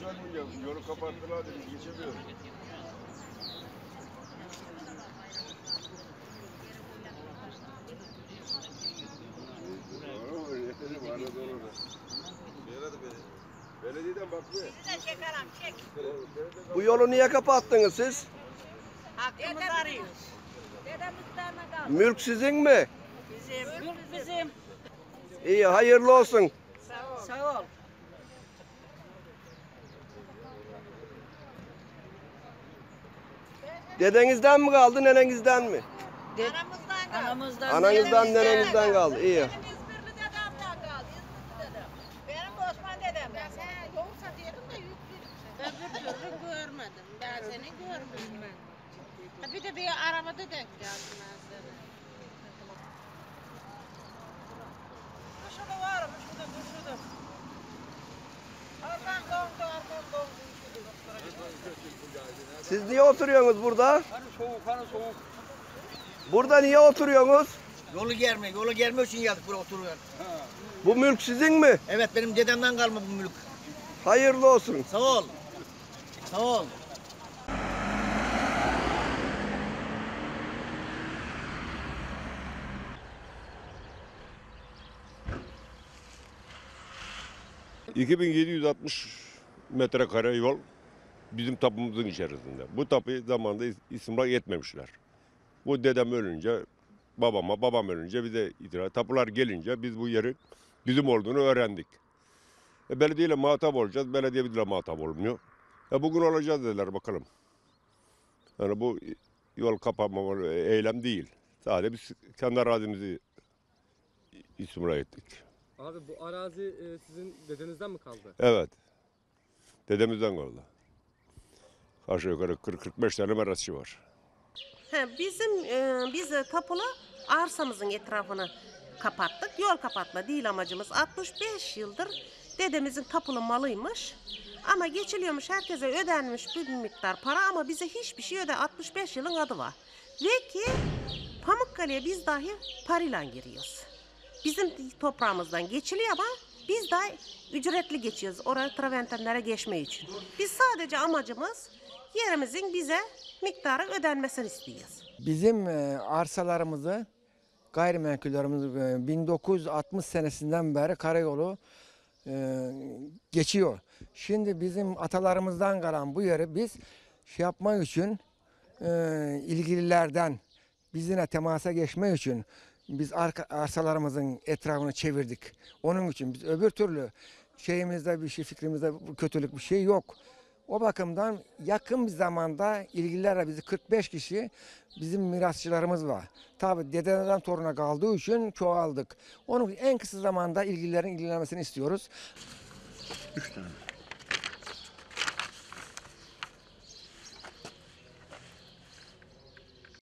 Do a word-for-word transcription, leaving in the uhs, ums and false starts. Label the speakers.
Speaker 1: geçemeyeceğim. Yolu kapattılar dedi, geçemiyorum. Belediyeden bakmıyor.
Speaker 2: Bu yolu niye kapattınız siz?
Speaker 3: Hakkımızı arıyoruz.
Speaker 2: Mülk sizin mi?
Speaker 3: Bizim. Mülk bizim.
Speaker 2: İyi, hayırlı olsun.
Speaker 3: Sağ ol. Sağ ol.
Speaker 2: Dedenizden mi kaldı, nenenizden mi?
Speaker 3: Anamızdan kaldı. Anamızdan,
Speaker 2: Ananızdan, nenenizden kaldı. İyi.
Speaker 4: Benim İzmirli dedemden kaldı. İzmirli dedem. Benim de Osman dedemden. Sen yoğursa diyelim de yüklü.
Speaker 5: Ben bir türlü görmedim. Ben seni görmedim. Ha, bir de bir arabada denk geldim ben seni.
Speaker 4: Şurada varmış, şurada, şurada. Oradan dondu, oradan dondu.
Speaker 2: Siz niye oturuyorsunuz burada?
Speaker 6: Hani soğuk, hani soğuk.
Speaker 2: Burada niye oturuyorsunuz?
Speaker 6: Yolu germe, yolu germe için geldik buraya oturuyor.
Speaker 2: Bu mülk sizin mi?
Speaker 6: Evet, benim dedemden kalma bu mülk.
Speaker 2: Hayırlı olsun.
Speaker 6: Sağ ol. Sağ ol.
Speaker 1: iki bin yedi yüz altmış metrekare yol bizim tapumuzun içerisinde. Bu tapuyu zamanında istimlak etmemişler. Bu dedem ölünce, babama, babam ölünce bize itiraz. Tapular gelince biz bu yerin bizim olduğunu öğrendik. E, belediyeyle muhatap olacağız, belediye bizle muhatap olmuyor. E, bugün olacağız dediler bakalım. Yani bu yol kapanma eylem değil. Sadece biz kendi arazimizi istimlak ettik.
Speaker 7: Abi bu arazi e, sizin dedenizden mi kaldı?
Speaker 1: Evet. Dedemizden kaldı. Aşağı yukarı kırk kırk beş tane merasçı var.
Speaker 8: He, bizim e, biz de tapulu arsamızın etrafını kapattık. Yol kapatma değil amacımız. altmış beş yıldır dedemizin tapulu malıymış. Ama geçiliyormuş, herkese ödenmiş bir miktar para ama bize hiçbir şey öde. altmış beş yılın adı var. Ve ki Pamukkale'ye biz dahi parayla giriyoruz. Bizim toprağımızdan geçiliyor ama biz daha ücretli geçiyoruz oraya traventenlere geçme için. Biz sadece amacımız yerimizin bize miktarı ödenmesini istiyoruz.
Speaker 9: Bizim e, arsalarımızı, gayrimenkullerimizi e, bin dokuz yüz altmış senesinden beri karayolu e, geçiyor. Şimdi bizim atalarımızdan kalan bu yeri biz şey yapmak için e, ilgililerden bizimle temasa geçmek için biz arka, arsalarımızın etrafını çevirdik. Onun için biz öbür türlü şeyimizde bir şey, fikrimizde kötülük bir şey yok. O bakımdan yakın bir zamanda ilgililerle bizi kırk beş kişi bizim mirasçılarımız var. Tabii dededen toruna kaldığı için çoğaldık. Onun en kısa zamanda ilgililerin ilgilenmesini istiyoruz.
Speaker 6: Üç tane.